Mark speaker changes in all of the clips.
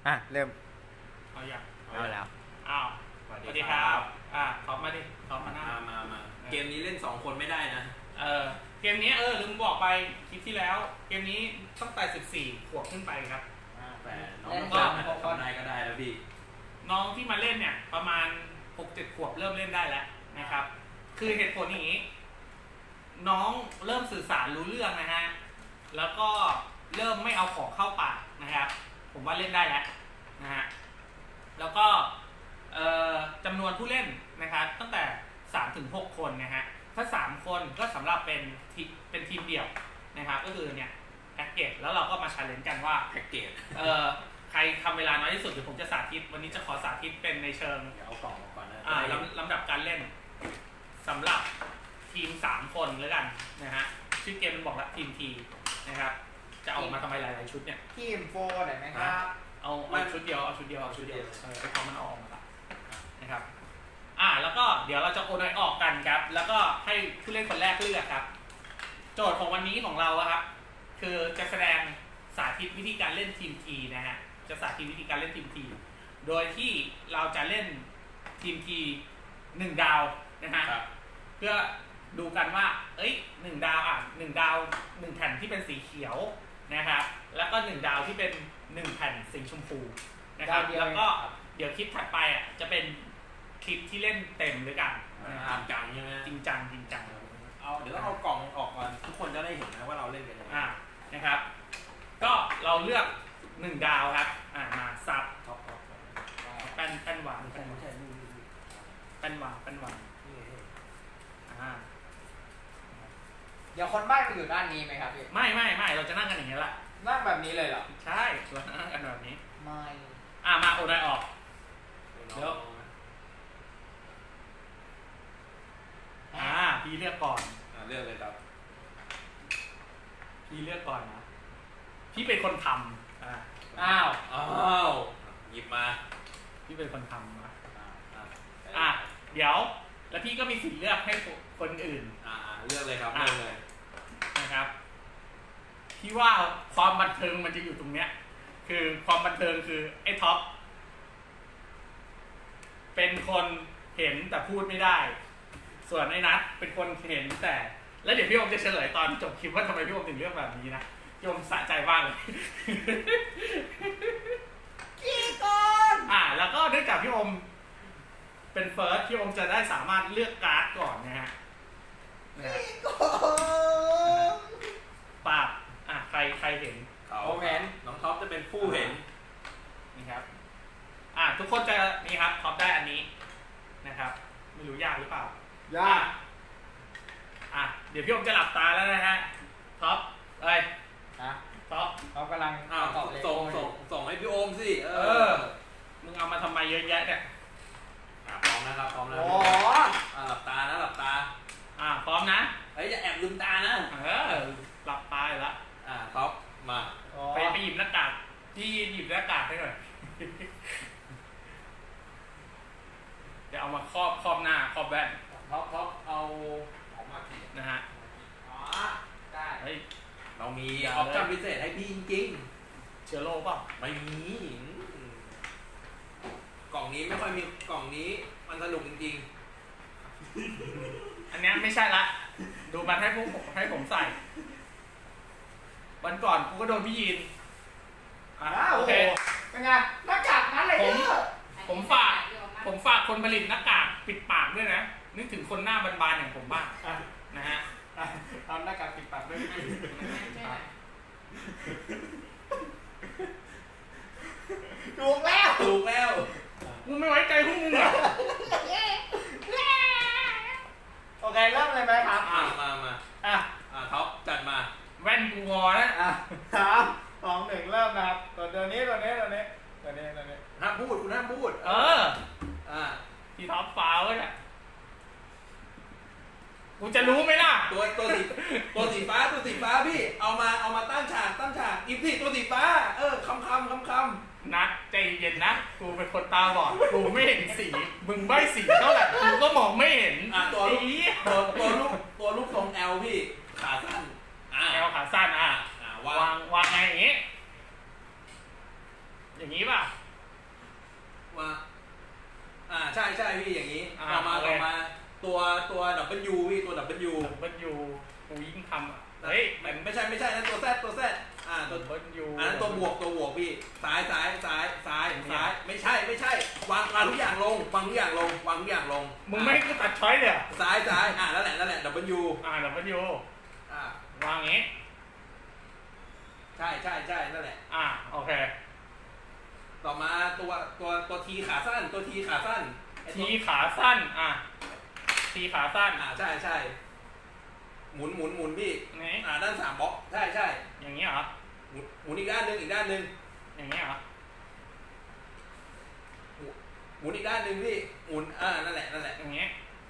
Speaker 1: เริ่ม
Speaker 2: เอาอย่าง
Speaker 1: เอาแล้ว
Speaker 2: อ้าว
Speaker 3: สวัสดีครับ
Speaker 2: ท็อปมาดิท็อปมาหน้า
Speaker 3: มาเกมนี้เล่น2คนไม่ได้นะ
Speaker 2: เกมนี้ลืมบอกไปคลิปที่แล้วเกมนี้ตั้งแต่14 ขวบขึ้นไปครับ
Speaker 3: แต่น้องทำได้ก็ได้แล้วพี่
Speaker 2: น้องที่มาเล่นเนี่ยประมาณ 6-7 ขวบเริ่มเล่นได้แล้วนะครับคือเหตุผลอย่างนี้น้องเริ่มสื่อสารรู้เรื่องนะฮะแล้วก็เริ่มไม่เอาของเข้าปากนะครับผมว่าเล่นได้แล้วนะฮะแล้วก็จำนวนผู้เล่นนะครับตั้งแต่ 3-6 คนนะฮะถ้า3คนก็สำหรับเป็นทีมเดี่ยวนะครับก็คือเนี่ยแพ็กเกจแล้วเราก็มาชาเลนจ์กันว่า
Speaker 3: แพ็กเกจ
Speaker 2: ใครทำเวลาน้อยที่สุดเดี๋ยวผมจะสาธิตวันนี้จะขอสาธิตเป็นในเชิง
Speaker 3: เดี๋ยวเอากล่องมาก่อนนะ
Speaker 2: ลำดับการเล่นสำหรับทีม3คนแล้วกันนะฮะชื่อเกมมันบอกแล้วทีมทีนะครับจะเอามาทำไมหลายๆชุดเนี่ย
Speaker 1: ทีมโฟร์ได้ไหมครับ
Speaker 2: เอาชุดเดียวเอาชุดเดียวไปพอมันออกมาละนะครับแล้วก็เดี๋ยวเราจะโอนอยออกกันครับแล้วก็ให้ผู้เล่นคนแรกเลือกครับโจทย์ของวันนี้ของเราครับคือจะแสดงสาธิตวิธีการเล่นทีมทีนะฮะจะสาธิตวิธีการเล่นทีมทีโดยที่เราจะเล่นทีมที1 ดาวนะฮะเพื่อดูกันว่า1 ดาว1 ดาว1 แผ่นที่เป็นสีเขียวนะครับแล้วก็1 ดาวที่เป็น1 แผ่นสีชมพูนะครับแล้วก็เดี๋ยวคลิปถัดไปจะเป็นคลิปที่เล่นเต็มด้วยกัน
Speaker 3: จังใช่ไหม
Speaker 2: จริงจัง
Speaker 3: เดี๋ยวเอากล่องออกก่อนทุกคนจะได้เห็นนะว่าเราเล่นกันยังไง
Speaker 2: นะครับก็เราเลือก1 ดาวครับมาซับแป้นหวานแป้นหวาน
Speaker 1: เดี๋ยวคนใบ้ไปอยู่ด้านนี้ไหมครับพี่
Speaker 2: ไม่เราจะนั่งกันอย่างนี้แหละ
Speaker 1: นั่งแบบนี้เลยเหรอ
Speaker 2: ใช่เรานั่งกันแบบนี้
Speaker 1: ไม่
Speaker 2: มาโอนได้ออกเดี๋ยวพี่เลือกก่อน
Speaker 3: เลือกเลยครับ
Speaker 2: พี่เลือกก่อนนะพี่เป็นคนทำ
Speaker 3: อ้าวหยิบมา
Speaker 2: พี่เป็นคนทำเดี๋ยวแล้วพี่ก็มีสิทธิ์เลือกให้คนอื่น
Speaker 3: เลือกเลยครับเลือกเลย
Speaker 2: นะครับพี่ว่าความบันเทิงมันจะอยู่ตรงเนี้ยคือความบันเทิงคือไอ้ท็อปเป็นคนเห็นแต่พูดไม่ได้ส่วนไอ้นัทเป็นคนเห็นแต่แล้วเดี๋ยวพี่อมจะเฉลยตอนจบคลิปว่าทำไมพี่อมถึงเลือกแบบนี้นะพี่อมสะใจบ้างเลย
Speaker 1: กี่ก่อน
Speaker 2: แล้วก็เนื่องจากพี่อมเป็นเฟิร์สพี่อมจะได้สามารถเลือกการ์ดก่อนนะฮะ
Speaker 1: กี่ก่อน
Speaker 2: ปากใครเห็น
Speaker 3: ผมเห็นน้องท็อปจะเป็นผู้เห็น
Speaker 2: นี่ครับทุกคนจะนี่ครับท็อปได้อันนี้นะครับไม่รู้ยากหรือเปล่าย
Speaker 1: าก
Speaker 2: เดี๋ยวพี่อมจะหลับตาแล้วนะฮะท็อปท็อป
Speaker 1: กำลัง
Speaker 3: ส่งให้พี่โอมสิ
Speaker 2: มึงเอามาทำไมเยอะแยะเนี่ย
Speaker 3: พร้อมนะครับพร้อมแล้วหลับตานะหลับตา
Speaker 2: พร้อมนะ
Speaker 3: อย่าแอบลืมตานะ
Speaker 2: หลับตาแล้ว
Speaker 3: ท็อปมา
Speaker 2: ไปหยิบหน้ากากพี่หยิบหน้ากากให้หน่อยเดี๋ยวเอามาครอบหน้าครอบแว่น
Speaker 3: ท็อปเอาออกมาที
Speaker 2: นะฮะ
Speaker 3: ได้เรามีออปชั่นพิเศษให้พี่จริง
Speaker 2: เชื้อโรคป่ะ
Speaker 3: ไม่มีกล่องนี้ไม่ค่อยมีกล่องนี้มันสนุกจริง
Speaker 2: ๆอันนี้ไม่ใช่ละดูมันให้ผมใส่วันก่อนกูก็โดนพี่ยีน
Speaker 1: โอเคเป็นไงหน้ากากนั้นเลย
Speaker 2: ผมฝากคนผลิตหน้ากากปิดปากด้วยนะนึกถึงคนหน้าบานๆอย่างผมบ้างนะฮะ
Speaker 1: ทำหน้ากากปิดปากด้วยถูกแล้ว
Speaker 2: มึงไม่ไว้ใจพวกมึงเหรอ
Speaker 1: โอเคเริ่มเลยไหมครับ
Speaker 3: มาท็อปจัดมา
Speaker 2: แว่นกูงอนะ
Speaker 1: 3 2 1เริ่มนะครับตัวนี้
Speaker 3: ห้ามพูดคุณห้ามพูด
Speaker 2: ที่ท็อปฟ้าวเนี่ยกูจะรู้ไหมล่ะ
Speaker 3: ตัวสีฟ้าพี่เอามาตั้งฉากอีพี่ตัวสีฟ้าคำ
Speaker 2: นัดใจเย็นนะกูเป็นคนตาบอดกูไม่เห็นสีมึงใบ้สีเท่าไหร่กูก็มองไม่เห็น
Speaker 3: ตัวลูกทรงแอลพี่ขาสั้น
Speaker 2: แอลขาสั้นวางไงอย่างงี้อย่างนี้ป่ะ
Speaker 3: ว่าใช่ใช่พี่อย่างนี้
Speaker 2: อ่า
Speaker 3: ต่อมา
Speaker 2: โอเค
Speaker 3: ต่อมาตัวดับเบิลยูพี่ตัวดับเบิลยู
Speaker 2: เบิลยูกูยิ่งทำอ่ะเฮ้ยมัน
Speaker 3: ไม่ใช่นั่นตัวแซดตัว
Speaker 2: เบิลยู
Speaker 3: อันนั้นตัวบวกพี่ซ้ายไม่ใช่วางทุกอย่างลงวางทุกอย่างลง
Speaker 2: มึงไม่ให้กูตัดช้อยเลยเหรอ
Speaker 3: ซ้ายนั่นแหละดับเบิลยู
Speaker 2: ดับเบิลยู
Speaker 3: อ่าว
Speaker 2: างอย่างงี้
Speaker 3: ใช่นั่นแหละ
Speaker 2: โอเค
Speaker 3: ต่อมาตัวทีขาสั้นไอ้ตัว
Speaker 2: ทีขาสั้นทีขาสั้น
Speaker 3: ใช่หมุนพี่
Speaker 2: นี่
Speaker 3: ด้าน3บล็อกใช่
Speaker 2: อย่างนี้เหรอ
Speaker 3: หมุนอีกด้านหนึ่ง
Speaker 2: อย่างนี้เหรอ
Speaker 3: หมุนอีกด้านหนึ่งพี่หมุนนั่นแหละ
Speaker 2: อย่างนี้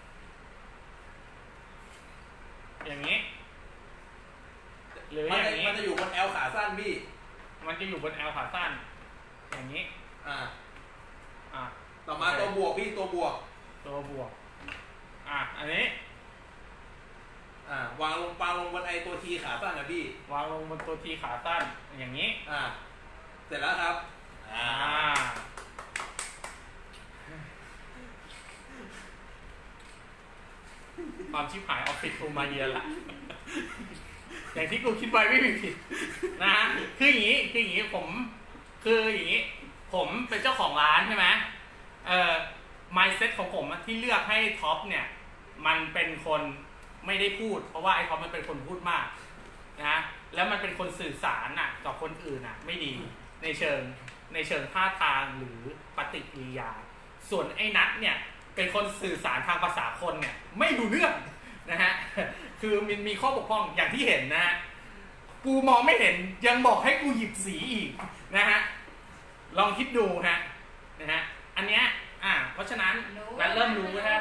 Speaker 2: อย่างนี้หรืออย่างนี้
Speaker 3: มันจะอยู่บน L ขาสั้นพี่
Speaker 2: มันจะอยู่บน L ขาสั้นอย่างนี้
Speaker 3: ต่อมาตัวบวกพี่ตัวบวก
Speaker 2: อันนี้
Speaker 3: วางลงบนไอตัวทีขาสั้นนะพี่
Speaker 2: วางลงบนตัวทีขาสั้นอย่างนี้
Speaker 3: เสร็จแล้วครับ
Speaker 2: ความชิบหายออฟฟิศกูมาเยือนละ อย่างที่กูคิดไว้ไม่มีผิดนะฮะคืออย่างนี้ผมเป็นเจ้าของร้านใช่ไหมmindset ของผมที่เลือกให้ท็อปเนี่ยมันเป็นคนไม่ได้พูดเพราะว่าไอ้ท็อปมันเป็นคนพูดมากนะแล้วมันเป็นคนสื่อสารกับคนอื่นไม่ดีในเชิงท่าทางหรือปฏิกิริยาส่วนไอ้นัทเนี่ยเป็นคนสื่อสารทางภาษาคนเนี่ยไม่รู้เรื่องนะฮะคือมันมีข้อบกพร่องอย่างที่เห็นนะฮะกูมองไม่เห็นยังบอกให้กูหยิบสีอีกนะฮะลองคิดดูนะฮะอันเนี้ยเพราะฉะนั้นนัทเริ่มรู้นะ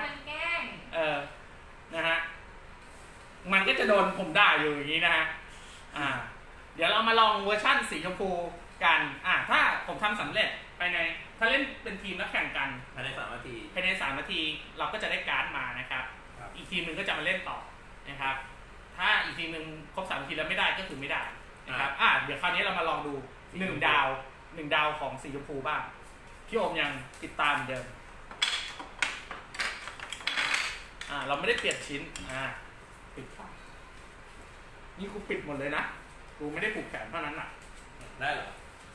Speaker 2: นะฮะมันก็จะโดนผมด่าอยู่อย่างนี้นะฮะเดี๋ยวเรามาลองเวอร์ชั่นสีชมพูกันถ้าผมทำสำเร็จถ้าเล่นเป็นทีมแล้วแข่งกัน
Speaker 3: ภายใน3 นาที
Speaker 2: เราก็จะได้การ์ดมานะครับอีกทีมหนึ่งก็จะมาเล่นต่อนะครับถ้าอีกทีมหนึ่งครบ3 นาทีแล้วไม่ได้ก็คือไม่ได้นะครับเดี๋ยวคราวนี้เรามาลองดู1 ดาวของสีชมพูบ้างพี่โอมยังติดตามเหมือนเดิมเราไม่ได้เปลี่ยนชิ้นปิดฝานี่กูปิดหมดเลยนะกูไม่ได้ผูกแขนเท่านั้น
Speaker 3: ได้เหรอ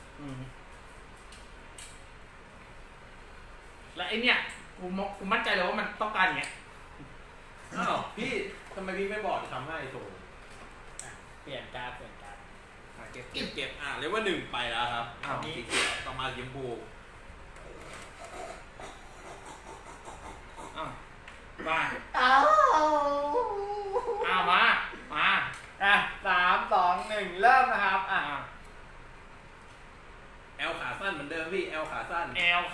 Speaker 2: แล้วไอเนี่ยกูมั่นใจเลยว่ามันต้องการอย่างเงี้ย
Speaker 3: พี่ทำไมพี่ไม่บอกทำให้โถ
Speaker 1: เปลี่ยนการ
Speaker 3: เก็บเรียกว่า1ไปแล้วครับสีเขียวต่อมาสีชมพู
Speaker 2: มามา
Speaker 1: 3 2 1เริ่มนะครับ
Speaker 3: L ขาสั้นเหมือนเดิมพี่ L ขาสั้น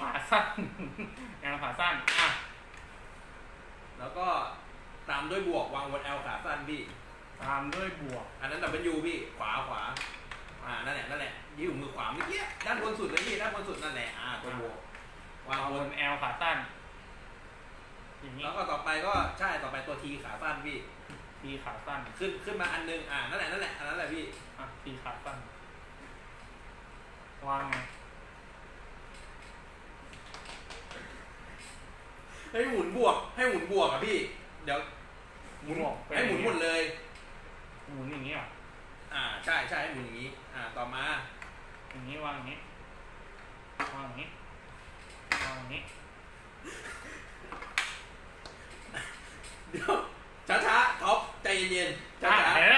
Speaker 3: แล้วก็ตามด้วยบวกวางบน L ขาสั้นพี่
Speaker 2: ตามด้วยบวก
Speaker 3: อันนั้นWพี่ขวานั่นแหละยิ้วมือขวาเมื่อกี้ด้านบนสุดเลยพี่ด้านบนสุดนั่นแหละตัวบวก
Speaker 2: วางบน L ขาสั้น
Speaker 3: แล้วก็ต่อไปตัว T ขาสั้นพี่
Speaker 2: T ขาสั้น
Speaker 3: ขึ้นมาอันนึงนั่นแหละอันนั้นแหละพี่
Speaker 2: T ขาสั้นวางไง
Speaker 3: ให้หมุนบวกพี่เดี๋ยวหมุนให้หมุนหมดเลย
Speaker 2: หมุนอย่างนี้
Speaker 3: ใช่ให้หมุนอย่างนี้ต่อมา
Speaker 2: อย่างนี้วางอย่างนี้
Speaker 3: เดี๋ยวช้าท็อปใจเย็นๆช้า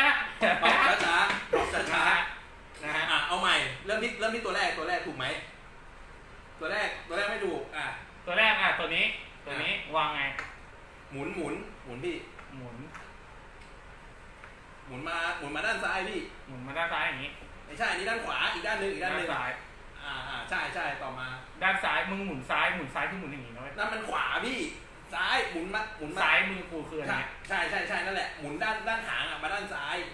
Speaker 3: นะฮะเอาใหม่เริ่มที่ตัวแรกถูกไหมตัวแรกไม่ถูก
Speaker 2: ตัวแรกตัวนี้วางไง
Speaker 3: หมุนพี่
Speaker 2: ห
Speaker 3: มุนมาด้านซ้ายพี่
Speaker 2: หมุนมาด้านซ้ายอย่างนี้
Speaker 3: ไม่ใช่อันนี้ด้านขวาอีกด้านหนึ่ง
Speaker 2: ซ้าย
Speaker 3: ใช่ต่อมา
Speaker 2: ด้านซ้ายมึงหมุนซ้ายคือหมุนอย่างนี้นะเว้ย
Speaker 3: นั่นมันขวาพี่ซ้ายหมุนมา
Speaker 2: ซ้ายมือกูคืออะไร
Speaker 3: ใช่นั่นแหละหมุนด้านหางมาด้านซ้าย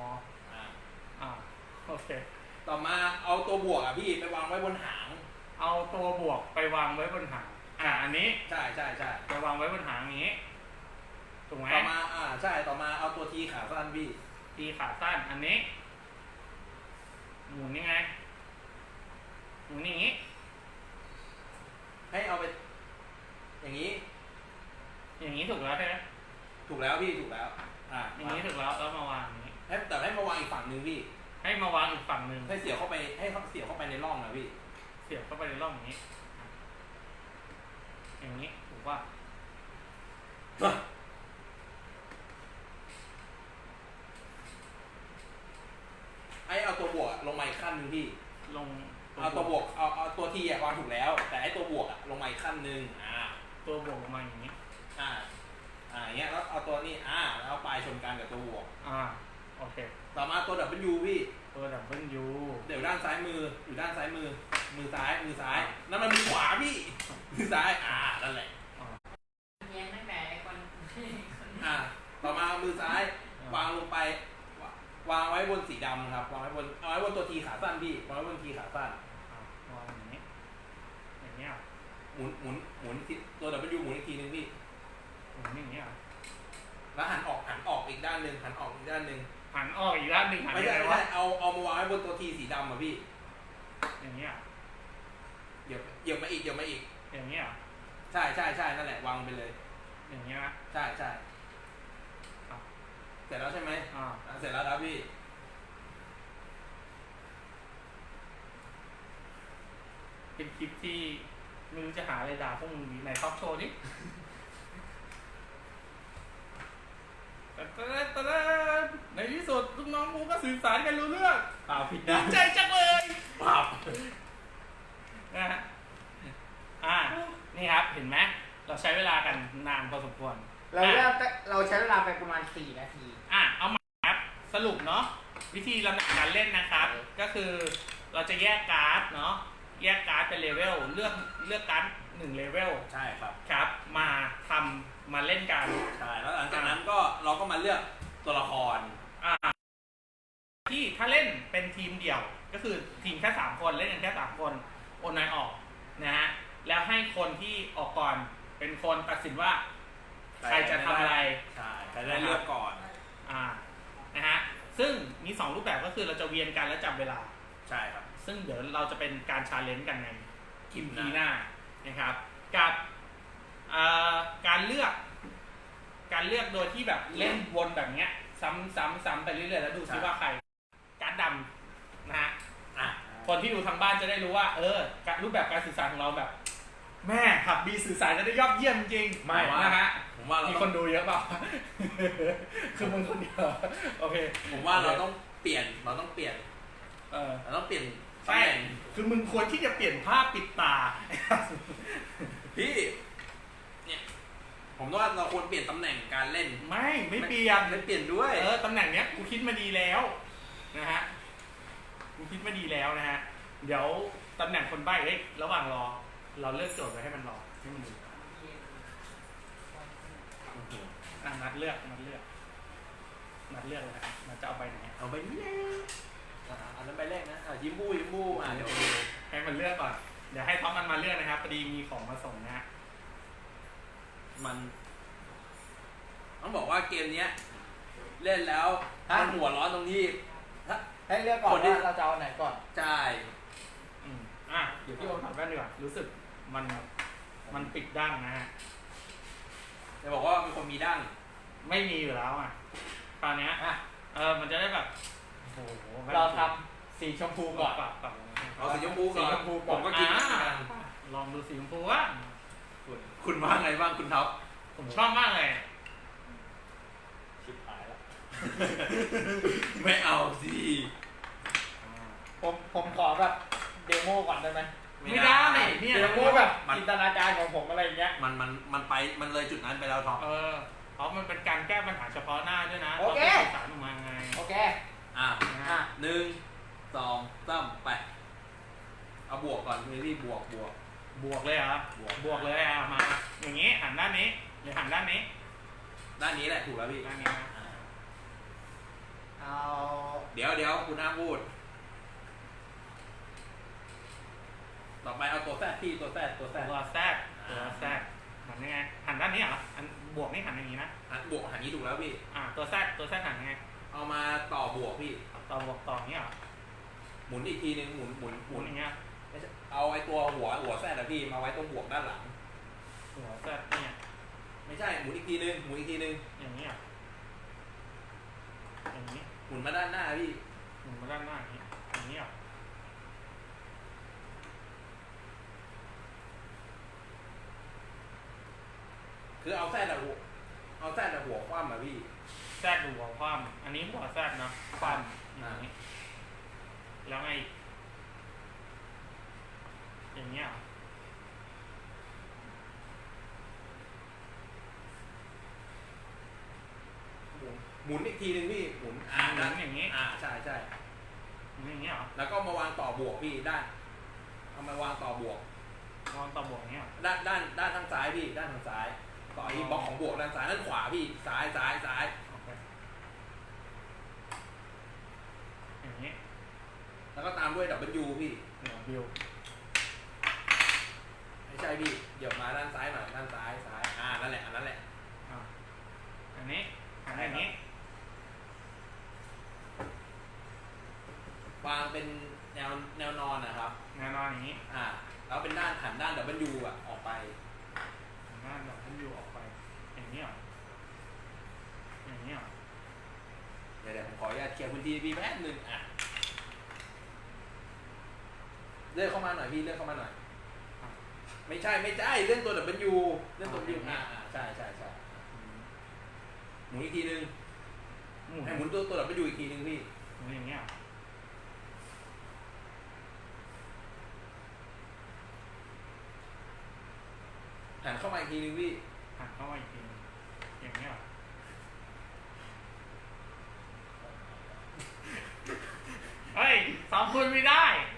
Speaker 2: โอเค
Speaker 3: ต่อมาเอาตัวบวกพี่ไปวางไว้บนหาง
Speaker 2: เอาตัวบวกไปวางไว้บนหางอันนี้
Speaker 3: ใช่
Speaker 2: ไปวางไว้บนหางนี้ถูกไหม
Speaker 3: ต่อมาต่อมาเอาตัวทีขาสั้นพี่
Speaker 2: ทีขาสั้นอันนี้หมุนยังไงหมุนอย่างนี้
Speaker 3: ให้เอาไป อย่างนี้
Speaker 2: อย่างนี้ถูกแล้วใช่ไหม
Speaker 3: ถูกแล้วพี่ถูกแล้ว
Speaker 2: อย่างนี้ถูกแล้วแล้วมาวางอย่างนี้
Speaker 3: แต่ให้มาวางอีกฝั่งหนึ่งพี่
Speaker 2: ให้มาวางอีกฝั่งหนึ่ง
Speaker 3: ให้เสียบเข้าไปให้เขาเสียบเข้าไปในร่องนะพี่
Speaker 2: เสียบเข้าไปในร่องอย่างนี้ อย่างนี้ถูกว่า
Speaker 3: ไอเอาตัวบวกลงมาอีกขั้นหนึ่งพี่
Speaker 2: ลง
Speaker 3: เอาตัวบวกเอาตัวทีวางถูกแล้ว แต่ไอตัวบวกลงมาอีกขั้นหนึ่ง
Speaker 2: ตัวบวกลงมาอย่างนี้
Speaker 3: อย่างเงี้ยแล้วเอาตัวนี้แล้วเอาปลายชนกันกับตัวบวก
Speaker 2: โอเค
Speaker 3: ต่อมาตัว W พี่
Speaker 2: ตัว W
Speaker 3: เดี๋ยวด้านซ้ายมืออยู่ด้านซ้ายมือซ้ายนั่นมันมือขวาพี่มือซ้ายนั่นแหละ
Speaker 1: เย็นตั้งแต่คน
Speaker 3: ต่อมามือซ้ายวางลงไปวางไว้บนสีดำครับวางไว้บนเอาไว้บนตัวทีขาสั้นพี่วางไว้บนทีขาสั้น
Speaker 2: วางอย่างนี้อย่างเงี้ย
Speaker 3: หมุนตัว W หมุนอีกทีนึงพี่
Speaker 2: หมุนอย่างเงี้ย
Speaker 3: แล้วหันออกอีกด้านหนึ่งหันออกอีกด้านหนึ่งไม่ใช่เอามาวางไว้บนตัวทีสีดำพี่
Speaker 2: อย่างเงี้ย
Speaker 3: เหยียบมาอีก
Speaker 2: อย่างเงี้ย
Speaker 3: ใช่นั่นแหละวางไปเลย
Speaker 2: อย่างเงี้ย
Speaker 3: ใช่เสร็จแล้วใช่ไหมเสร็จแล้วครับพี่
Speaker 2: เป็นคลิปที่ไม่รู้จะหาอะไรด่าพวกมึงดีไหนท็อปโชว์ดิในที่สุดลูกน้องกูก็สื่อสารกันรู้เรื่อง
Speaker 3: ผิดนะ
Speaker 2: ใจจังเลยนะฮะนี่ครับเห็นไหมเราใช้เวลากันนานพอสมควร
Speaker 1: เราใช้เวลาไปประมาณ4 นาที
Speaker 2: เอามาครับสรุปเนาะวิธีลำดับการเล่นนะครับก็คือเราจะแยกการ์ดเนาะแยกการ์ดเป็นเลเวลเลือกการ์ด1เลเวล
Speaker 3: ใช่ครับ
Speaker 2: มาเล่นกัน
Speaker 3: ใช่แล้วหลังจากนั้นก็เราก็มาเลือกตัวละคร
Speaker 2: ที่ถ้าเล่นเป็นทีมเดี่ยวก็คือทีมแค่3คนเล่นกันแค่3คนโอนนายออกนะฮะแล้วให้คนที่ออกก่อนเป็นคนตัดสินว่าใครจะทำอะไร
Speaker 3: ใช่ใครจะเลือกก่อน
Speaker 2: นะฮะซึ่งมี2รูปแบบก็คือเราจะเวียนกันและจับเวลา
Speaker 3: ใช่ครับ
Speaker 2: ซึ่งเดี๋ยวเราจะเป็นการชาเลนจ์กันในคลิปหน้านะครับกับการเลือกโดยที่แบบเล่นวนแบบเนี้ยซ้ำไปเรื่อยๆแล้วดูซิว่าใครการดำนะฮะคนที่ดูทางบ้านจะได้รู้ว่ารูปแบบการสื่อสารของเราแบบแม่ขับบีสื่อสารจะได้ยอดเยี่ยมจริง
Speaker 3: ไม่
Speaker 2: นะฮะ
Speaker 3: ผมว่า
Speaker 2: มีคนดูเยอะเปล่าคือมึงคนเดียวโอเค
Speaker 3: ผมว่าเราต้องเปลี่ยนเราต้องเปลี่ยน
Speaker 2: ใช่คือมึงควรที่จะเปลี่ยนผ้าปิดตา
Speaker 3: พี่เนี่ยผมว่าเราควรเปลี่ยนตำแหน่งการเล่น
Speaker 2: ไม่เปลี่ยน
Speaker 3: ด้วย
Speaker 2: ตำแหน่งเนี้ยกูคิดมาดีแล้วนะฮะกูคิดมาดีแล้วนะฮะเดี๋ยวตำแหน่งคนใบ้ระหว่างรอเราเลือกโจทย์ไว้ให้มันรอให้มันดูนัดเลือกเลยนะนัดจะเอาใบไหน
Speaker 3: เอาใบนี้อันนั้นใบแรกนะยิ้มบู้เดี๋ยว
Speaker 2: ให้มันเลือกก่อนเดี๋ยวให้ท็อปมันมาเลือกนะครับพอดีมีของมาส่งนะฮะ
Speaker 3: มันต้องบอกว่าเกมนี้เล่นแล้วมันหัวร้อนตรงที่
Speaker 1: ให้เลือกก่อนว่าเราจะเอาไหนก่อน
Speaker 3: ใช่
Speaker 2: เดี๋ยวพี่โอมถามแว่นดีกว่ารู้สึกมันปิดดั้งนะฮะ
Speaker 3: จะบอกว่ามีคนมีดั้ง
Speaker 2: ไม่มีอยู่แล้วตอนนี้มันจะได้แบบ
Speaker 1: เราทำสีชมพูก่อน
Speaker 3: เอาสีชมพูก่อนผมก็กิน
Speaker 2: ลองดูสีชมพูว่า
Speaker 3: คุณว่าไงบ้างคุณท็อป
Speaker 2: ผมชอบมากเลย
Speaker 1: ชิบหายแล้ว
Speaker 3: ไม่เอาสิ
Speaker 1: ผมขอแบบเดโมก่อนได้ไหม
Speaker 2: ไม่ได้
Speaker 1: เนี่ยเดโมแบบจินตนาการของผมอะไรเงี้ย
Speaker 3: มันเลยจุดนั้นไปแล้วท็อป
Speaker 2: เพราะมันเป็นการแก้ปัญหาเฉพาะหน้าด้วยนะ
Speaker 1: โอเค
Speaker 2: สารออกมาไง
Speaker 1: โอเค
Speaker 3: 1 2 3ไปเอาบวกก่อนพี่บวก
Speaker 2: เลยเหรอบวกเลยมาอย่างนี้หันด้านนี้หรือหันด้านนี้
Speaker 3: แหละถูกแล้วพี่
Speaker 2: ด้านนี้นะ
Speaker 1: เอา
Speaker 3: เดี๋ยวคุณน้าพูดต่อไปเอาตัวแซดพี่ตัวแซด
Speaker 2: หันยังไงหันด้านนี้เหรออันบวกนี่หันอย่างนี้นะ
Speaker 3: บวกหันนี้ถูกแล้วพี่
Speaker 2: ตัวแซดหันยังไง
Speaker 3: เอามาต่อบวกพี่
Speaker 2: ต่อบวกต่ออย่างนี้เหรอ
Speaker 3: หมุนอีกทีนึงหมุน
Speaker 2: อย่างเงี้ย
Speaker 3: ไม่ใช่เอาไอ้ตัวหัวแซดอะพี่มาไว้ตรงบวกด้านหลัง
Speaker 2: หัวแซ่บเนี่ย
Speaker 3: ไม่ใช่หมุนอีกทีนึงหมุนอีกทีนึง
Speaker 2: อย่างนี้อ่ะอย่างนี้
Speaker 3: หมุนมาด้านหน้าพี่
Speaker 2: หมุนมาด้านหน้าอย่างนี้อย่างนี้อ่ะ
Speaker 3: คือเอาแซดอะหัวคว่ำอะพี่
Speaker 2: แซ่บหัวคว่ำอันนี้หัวแซ่บนะคว่ำอย่างนี้แล้วไงอย่างนี้อ่ะ
Speaker 3: หมุนอีกทีนึงพี่หมุน
Speaker 2: หมุนอย่างนี้
Speaker 3: ใช่ใช่
Speaker 2: หมุนอย่างนี้เหรอ
Speaker 3: แล้วก็มาวางต่อบวกพี่ด้านเอามาวางต่อบวก
Speaker 2: วางต่อบวกอย่างนี้เหรอ
Speaker 3: ด้านทางซ้ายพี่ด้านทางซ้ายต่อที่บล็อกของบวกด้านซ้ายด้านขวาพี่ซ้าย
Speaker 2: โอเคอย่างนี้
Speaker 3: แล้วก็ตามด้วยดับเบิลยูพี่
Speaker 2: เดี๋ยวบิว
Speaker 3: ไม่ใช่พี่เดี๋ยวมาด้านซ้ายหน่อยด้านซ้ายนั่นแหละอันนั้นแหละ
Speaker 2: อันนี้หันอย่างนี้
Speaker 3: วางเป็นแนวนอนนะครับ
Speaker 2: แน่นอนอย่างนี้
Speaker 3: แล้วเป็นหันด้านดับเบิลยูอ่ะออกไป
Speaker 2: หน้าแบบผมอยู่ออกไปอย่างนี้เหรออย่างนี้เหรอ
Speaker 3: เดี๋ยวผมขออนุญาตเคลียร์พื้นที่พี่แป๊บนึงเลื่อนเข้ามาหน่อยพี่เลื่อนเข้ามาหน่อยไม่ใช่เลื่อนตัวดับเบิลยูใช่หมุนอีกทีนึงให้หมุนตัวดับเบิลยูอีกทีนึงพี่
Speaker 2: หมุนอย่างนี้เหรอ
Speaker 3: หันเข้ามาอีกทีนึงพี่
Speaker 2: หันเข้ามาอีกทีนึงอย่างนี้เหรอเฮ้ยสองคนไม่ได้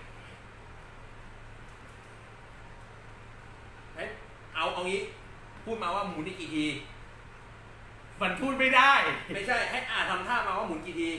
Speaker 3: เอางี้พูดมาว่าหมุนอีกกี่ที
Speaker 2: มันพูดไม่ได้
Speaker 3: ไม่ใช่ให้ทำท่ามาว่าหมุนกี่ที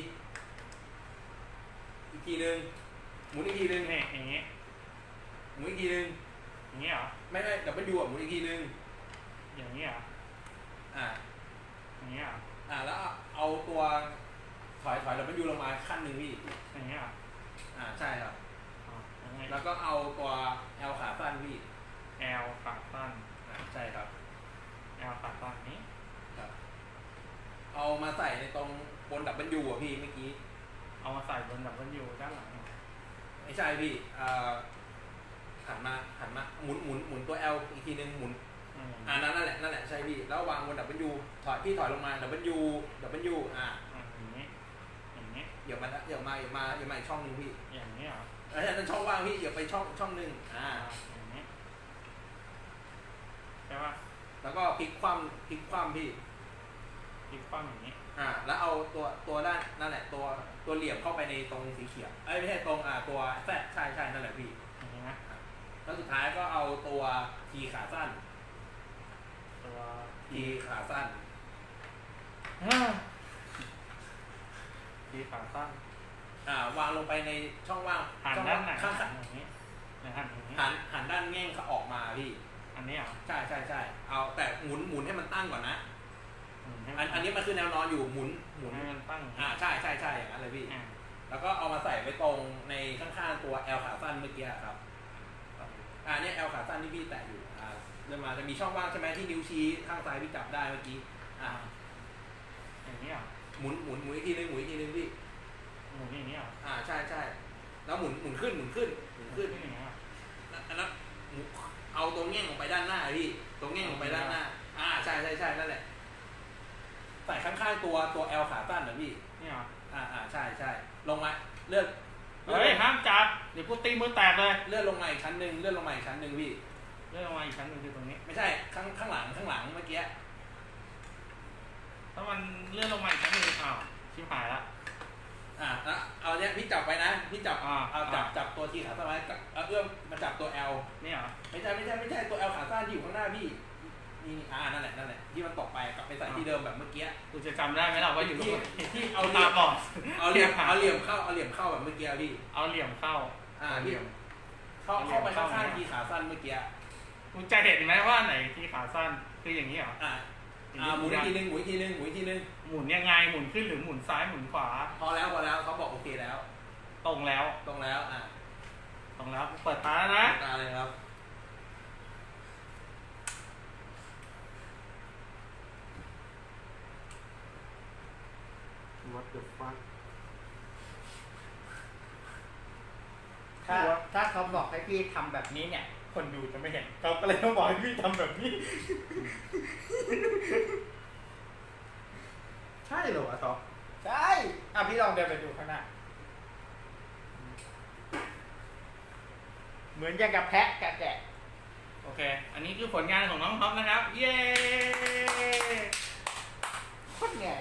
Speaker 3: อีกทีนึงหมุนอีกทีนึง
Speaker 2: เนี่ยอย่างนี้
Speaker 3: หมุนอีกทีนึง
Speaker 2: อย่างนี้เหรอ
Speaker 3: ไม่ดับเบิลยูหมุนอีกทีนึง
Speaker 2: อย่างนี้เหรอ
Speaker 3: อ่า
Speaker 2: อย่างนี้เหรอ
Speaker 3: แล้วเอาตัวถอยดับเบิลยูลงมาขั้นหนึ่งพี่
Speaker 2: อย่างนี้เหรอ
Speaker 3: ใช่ครับ
Speaker 2: ยังไง
Speaker 3: แล้วก็เอาตัว L ขาสั้นพี่
Speaker 2: แอลขาสั้น
Speaker 3: ใช่ครับ
Speaker 2: แอลขาสั้นนี้
Speaker 3: ครับ เอามาใส่ในตรงบนดับเบิลยูอ่ะพี่เมื่อกี้
Speaker 2: เอามาใส่บนดับเบิลยูด้านหลัง
Speaker 3: ไม่ใช่พี่หันมาหมุนตัว L อีกทีนึงหมุนนั่นแหละใช่พี่แล้ววางบนดับเบิลยูถอยลงมาดับเบิลยู
Speaker 2: อย่างนี้อย่างนี้
Speaker 3: เดี๋ยวมาอีกช่องนึงพี่
Speaker 2: อย่างนี้เหรอ
Speaker 3: แล้วนั่นช่องว่างพี่เดี๋ยวไปช่องนึง
Speaker 2: อย่างนี้ใช่ป่ะ
Speaker 3: แล้วก็พลิกคว่ำพี่
Speaker 2: พลิกคว่ำอย่างนี้
Speaker 3: แล้วเอาตัวด้านนั่นแหละตัวเหลี่ยมเข้าไปในตรงสีเขียวไม่ใช่ตรงตัวแซดใช่นั่นแหละพี่
Speaker 2: อย่างนี้นะ
Speaker 3: แล้วสุดท้ายก็เอาตัวทีขาสั้น
Speaker 2: ตัว
Speaker 3: ทีขาสั้น
Speaker 2: ทีขาสั้น
Speaker 3: วางลงไปในช่องว่าง
Speaker 2: หันด้านไหน
Speaker 3: ข้าง
Speaker 2: อย่างนี้หันอย่างนี้
Speaker 3: หันด้านแง่งเขาออกมาพี่
Speaker 2: อันนี้อ่ะ
Speaker 3: ใช่เอาแต่หมุนให้มันตั้งก่อนนะ
Speaker 2: อั
Speaker 3: อันนี้มันคือแนวนอนอยู่หมุน
Speaker 2: ให้มันตั้ง
Speaker 3: ใช่อย่างนั้นเลยพี่ แล้วก็เอามาใส่ไว้ตรงในข้างๆตัว L ขาสั้นเมื่อกี้ครับเนี่ย L ขาสั้นที่พี่แตะอยู่เริ่มมาจะมีช่องว่างใช่ไหมที่นิ้วชี้ข้างซ้ายพี่จับได้เมื่อกี้
Speaker 2: อย่างนี้อ่ะ
Speaker 3: หมุนอีกทีนึงพี่
Speaker 2: หมุนอย่างนี้อ่ะ
Speaker 3: ใช่แล้วหมุนขึ้น
Speaker 2: อย่างนี้อ่ะ
Speaker 3: แล้วเอาตรงแง่งลงไปด้านหน้าพี่ตรงแง่งลงไปด้านหน้าใช่นั่นแหละใส่ข้างๆตัว L ขาสั้นนะพี่
Speaker 2: นี่เหรอ
Speaker 3: ใช่ลงมาเลื่อน
Speaker 2: เฮ้ยห้ามจับเดี๋ยวกูตีมือแตกเลย
Speaker 3: เลื่อนลงมาอีกชั้นหนึ่งพี่
Speaker 2: เลื่อนลงมาอีกชั้นหนึ่งคือตรงนี้
Speaker 3: ไม่ใช่ข้างหลังเมื่อกี้
Speaker 2: ถ้ามันเลื่อนลงมาอีกชั้นหนึ่งชิบหายละ
Speaker 3: แล้วเอาเนี้ยพี่จับไปนะพี่จับเอาจับตัวทีขาสั้นไว้เอื้อมมาจับตัว L
Speaker 2: นี่เหรอ
Speaker 3: ไม่ใช่ตัว L ขาสั้นที่อยู่ข้างหน้าพี่นี่นั่นแหละที่มันตกไปกลับไปใส่ที่เดิมแบบเมื่อกี้
Speaker 2: กูจะจำได้ไหมล่ะว่าอยู่
Speaker 3: ที่เอา
Speaker 2: ตาบอด
Speaker 3: เอาเหลี่ยมเข้าแบบเมื่อกี้พี่
Speaker 2: เอาเหลี่ยมเข้า
Speaker 3: เหลี่ยมเข้าไปข้างๆทีขาสั้นเมื่อกี้
Speaker 2: กูจะเห็นไหมว่าไหนทีขาสั้นคืออย่างนี้เหรอ
Speaker 3: หมุนอีกทีนึงหมุ
Speaker 2: นยังไงหมุนขึ้นหรือหมุนซ้ายหมุนขวา
Speaker 3: พอแล้วเขาบอกโอเคแล้ว
Speaker 2: ตรงแล้วต้องแล้วเปิดตาแล้วนะ
Speaker 3: ตาเลยครับ
Speaker 2: What the fuck
Speaker 1: ถ้าเขาบอกให้พี่ทำแบบนี้เนี่ย คนดูจะไม่เห็นเขาก็เลยต้องบอกให้พี่ทำแบบนี้
Speaker 2: ใช่เหรอวะท็อป
Speaker 1: ใช่อ่ะพี่ลองเดินไปดูข้างหน้า เหมือนอย่างกับแพะกับแกะ
Speaker 2: โอเค อันนี้คือผลงานของน้องท็อปนะครับ เย้
Speaker 1: โคตรเหนื่อย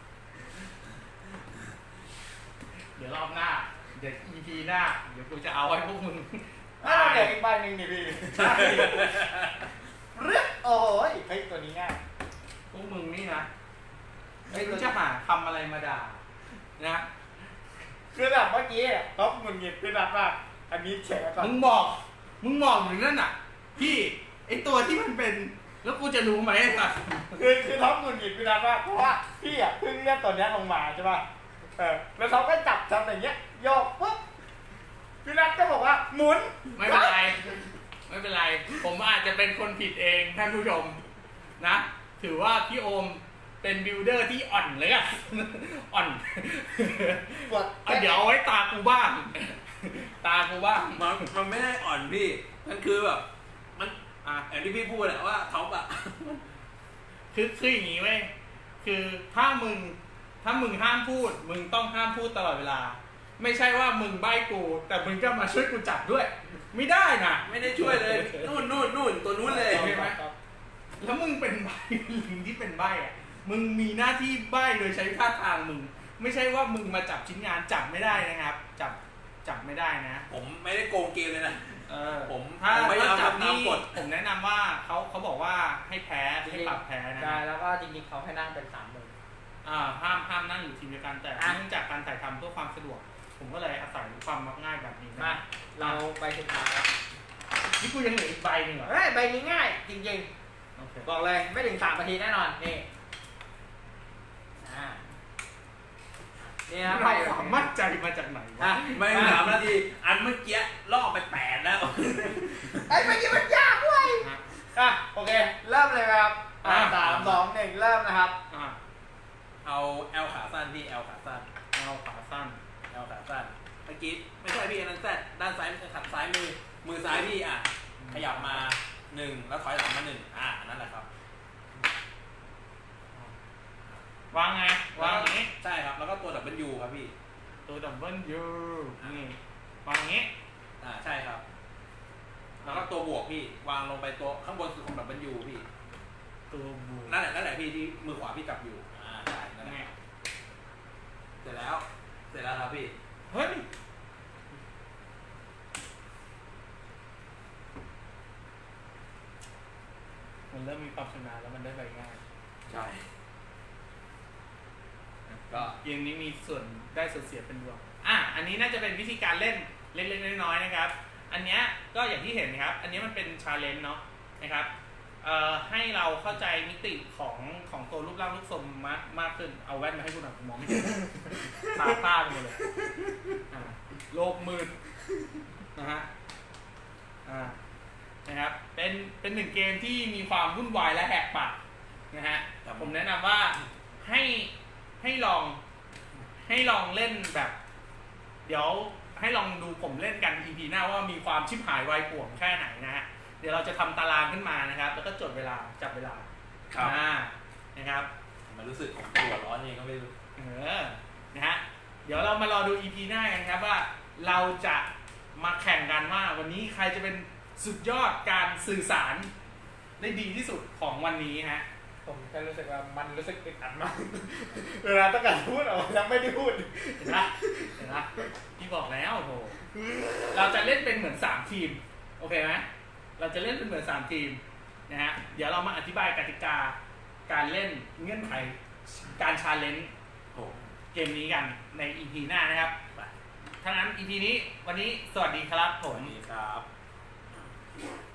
Speaker 2: เดี๋ยวรอบหน้า เดี๋ยว EP หน้า เดี๋ยวกูจะเอาให้พวกมึง
Speaker 1: เดี๋ยวอีกใบหนึ่งนี่พี่
Speaker 2: ใช่
Speaker 1: เรื่องโอ้ยเฮ้ยตัวนี้ง่าย
Speaker 2: พวกมึงนี่นะ
Speaker 1: เฮ้
Speaker 2: ไม่
Speaker 1: ย
Speaker 2: รู้จะหาคำอะไรมาด่านะ
Speaker 1: คือแบบเมื่อกี้อ่ะเขาหงุดหงิดพี่นัทมากอันนี้แฉก่อน
Speaker 2: มึงบอกอยู่นั่นน่ะ พี่ไอตัวที่มันเป็น แล้วกูจะรู้ไหมไอ้สัส
Speaker 1: คือท็อปหงุดหงิดพี่นัทมากเพราะว่าพี่อ่ะเพิ่งเลื่อนตัวเนี้ยลงมาใช่ป่ะแล้วเขาก็จับอย่างเงี้ยโยกปุ๊บพี่นัทก็บอกว่าหมุน
Speaker 2: ไม่เป็นไร ไม่เป็นไร ผมอาจจะเป็นคนผิดเองท่านผู้ชมนะ ถือว่าพี่โอมเป็นบิลดเดอร์ที่อ่อนเลยอะ อ่อน
Speaker 1: ปวด
Speaker 2: เดี๋ยวเอาไว้ตากูบ้าง ตากูบ้าง
Speaker 3: มันไม่ได้อ่อนพี่ มันคือแบบ มันอย่างที่พี่พูดแหละว่าท็อปอะ
Speaker 2: คืออย่างนี้เว้ย คือถ้ามึงห้ามพูด มึงต้องห้ามพูดตลอดเวลา ไม่ใช่ว่ามึงใบ้กู แต่มึงก็มาช่วยกูจับด้วย ไม่ได้นะ
Speaker 3: ไม่ได้ช่วยเลย นู่นตัวนู้นเลย
Speaker 2: โอเคไหม แล้วมึงเป็นใบ้ ลิงที่เป็นใบ้อะมึงมีหน้าที่ใบ้โดยใช้ท่าทางมึง ไม่ใช่ว่ามึงมาจับชิ้นงานจับไม่ได้นะครับ จับไม่ได้นะ
Speaker 3: ผมไม่ได้โกงเกมเลยนะ ผม
Speaker 2: ถ้า
Speaker 3: พยายาม
Speaker 2: จับ
Speaker 3: ทำตาม
Speaker 2: นี่
Speaker 3: กฎ
Speaker 2: ผมแนะนำว่าเขาบอกว่าให้แพ้ให้ปรับแพ้นะ
Speaker 1: ใช่แล้วก็จริงๆเขาให้นั่งเป็น3 มือ
Speaker 2: ห้ามนั่งอยู่ทีมเดียวกันแต่เนื่องจากการถ่ายทำเพื่อความสะดวก ผมก็เลยอาศัยความมักง่ายแบบนี้
Speaker 1: มา
Speaker 2: นะ
Speaker 1: เราไปสุดท้าย
Speaker 2: นี่กูยังเหลืออีกใบหนึ่งเหรอ
Speaker 1: เฮ้ยใบนี้ง่ายจริง
Speaker 2: โอเค
Speaker 1: ๆบอกเลยไม่ถึง3 นาทีแน่นอนนี่นี่นะ
Speaker 2: เราความมั่นใจมาจากไหนวะ
Speaker 3: ไม่ถึง3 นาที อันเมื่อกี้ล่อไป8แล้ว
Speaker 1: ไอ้ใบนี้มันยากเว้ยโอเคเริ่มเลยครับ3 2 1เริ่มนะครับ
Speaker 3: เอาแอลขาสั้นพี่แอลขาสั้น
Speaker 2: เอาขาสั้น
Speaker 3: แอลขาสั้นเมื่อกี้ไม่ใช่พี่อันนั้นแซดด้านซ้ายขัดซ้ายมือซ้ายพี่ขยับมา1แล้วถอยหลังมา1นั่นแหละครับ
Speaker 2: วางไงวางอย่างนี้
Speaker 3: ใช่ครับแล้วก็ตัวดับเบิลยูครับพี่
Speaker 2: ตัวดับเบิลยูนี่วางอย่างนี้
Speaker 3: ใช่ครับ แล้วก็ตัวบวกพี่วางลงไปตัวข้างบนสุดของดับเบิลยูพี่
Speaker 2: ตัวบวก
Speaker 3: นั่นแหละพี่ที่มือขวาพี่จับอยู่ใช่นั่นแหละ
Speaker 2: นี่
Speaker 3: เสร็จแล้วครับพี่
Speaker 2: เฮ้ยมันเริ่มมีความชำนาญแล้วมันได้ใบง่าย
Speaker 3: ใช่ก็
Speaker 2: เกมนี้มีส่วนได้ส่วนเสียเป็นรวมอันนี้น่าจะเป็นวิธีการเล่นเล็กๆน้อยๆนะครับ อันเนี้ยก็อย่างที่เห็นนะครับ อันนี้มันเป็นชาเลนจ์เนาะนะครับ ให้เราเข้าใจมิติของตัวรูปร่างรูปทรงมากขึ้น เอาแว่นมาให้กูหน่อยผมมองไม่เห็น ตาต้าไปหมดเลยโลกมืดนะฮะนะครับ เป็นหนึ่งเกมที่มีความวุ่นวายและแหกปากนะฮะ ผมแนะนำว่าให้ลองเล่นแบบ เดี๋ยวให้ลองดูผมเล่นกัน EP หน้าว่ามีความชิบหายวายป่วงแค่ไหนนะฮะ เดี๋ยวเราจะทำตารางขึ้นมานะครับ แล้วก็จดเวลาจับเวลานะครับ
Speaker 3: มันรู้สึกของตัวร้อนเองก็ไม่รู้
Speaker 2: นะฮะ เดี๋ยวเรามารอดู EP หน้ากันครับว่าเราจะมาแข่งกันว่าวันนี้ใครจะเป็นสุดยอดการสื่อสารได้ดีที่สุดของวันนี้ฮะ
Speaker 1: ผมแค่รู้สึกว่ามันรู้สึกอึดอัดมาก เวลาต้องการพูดออกมาแล้วไม่ได้พูด
Speaker 2: เห็นไหมพี่บอกแล้วโหเราจะเล่นเป็นเหมือน3ทีมโอเคไหมเราจะเล่นเป็นเหมือน3ทีมนะฮะเดี๋ยวเรามาอธิบายกติกาการเล่นเงื่อนไขการชาเลนจ์เกมนี้กันใน EP หน้านะครับถ้างั้น EP นี้วันนี้สวัสดีครับผม
Speaker 3: สวัสดีครับ